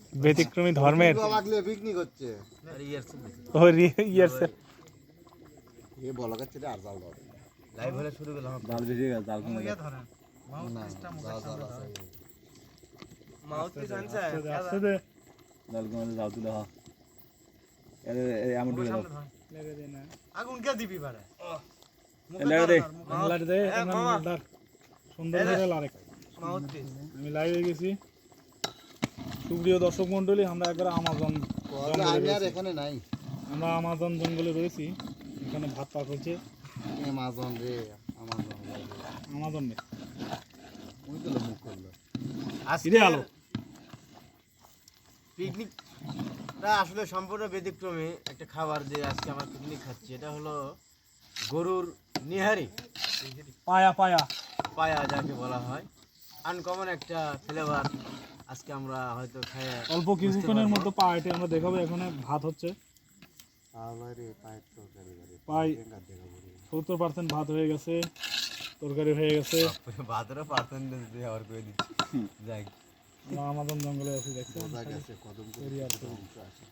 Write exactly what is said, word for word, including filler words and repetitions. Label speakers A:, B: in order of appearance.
A: ব্যতিক্রমী ধর্মের
B: লাগলে পিকনিক হচ্ছে
A: ও ইয়ারছে
B: এ বলা গেছে আর জাল দাও
C: লাইভ হলে শুরু করলাম
D: জাল বেরিয়ে গেছে জাল কমে গেছে
C: মাউথ পিস আনছে
A: আসছে দে
D: জাল কমে জাল তুলে হা এরে এই আমি ঢুকে দাও
A: লেগে দে না
C: আগুন কে দিবি পারে
D: লেগে দে
A: বাংলার দে এমন সুন্দর করে লারে
C: মাউথ পিস
A: আমি লাইভে গেছি সুপ্রিয় দর্শক মণ্ডলী আমরা একবার আমাজন
B: আমি আর এখানে নাই
A: আমরা আমাজন জঙ্গলে রয়েছি এখানে ভাত পাক হচ্ছে
B: আমাজন রে আমাজন
A: আমাজন নেই
B: ওই তো মুখ করলো
A: আজকে আলো
C: পিকনিকটা আসলে সম্পূর্ণ ব্যতিক্রমী একটা খাবার দিয়ে আজকে আমরা পিকনিক খাচ্ছি এটা হলো গরুর নিহারি
A: পায়া পায়া
C: পায়া যাকে বলা হয় আনকমন একটা ফ্লেভার আজকে আমরা হয়তো খায়
A: অল্প কিছুক্ষণের মধ্যে পায়াটি আমরা দেখাবো এখানে ভাত হচ্ছে
B: আরে পায়ের তরকারি করে
A: পাই সত্তর পার্সেন্ট ভাত হয়ে গেছে তরকারি হয়ে গেছে
C: ভাতেরও পার্সেন্টেজ দিয়ে আবার করে দিচ্ছি যাই
A: আমরা আমাজন জঙ্গলে আছি দেখছেন
B: বোঝা গেছে কদম করে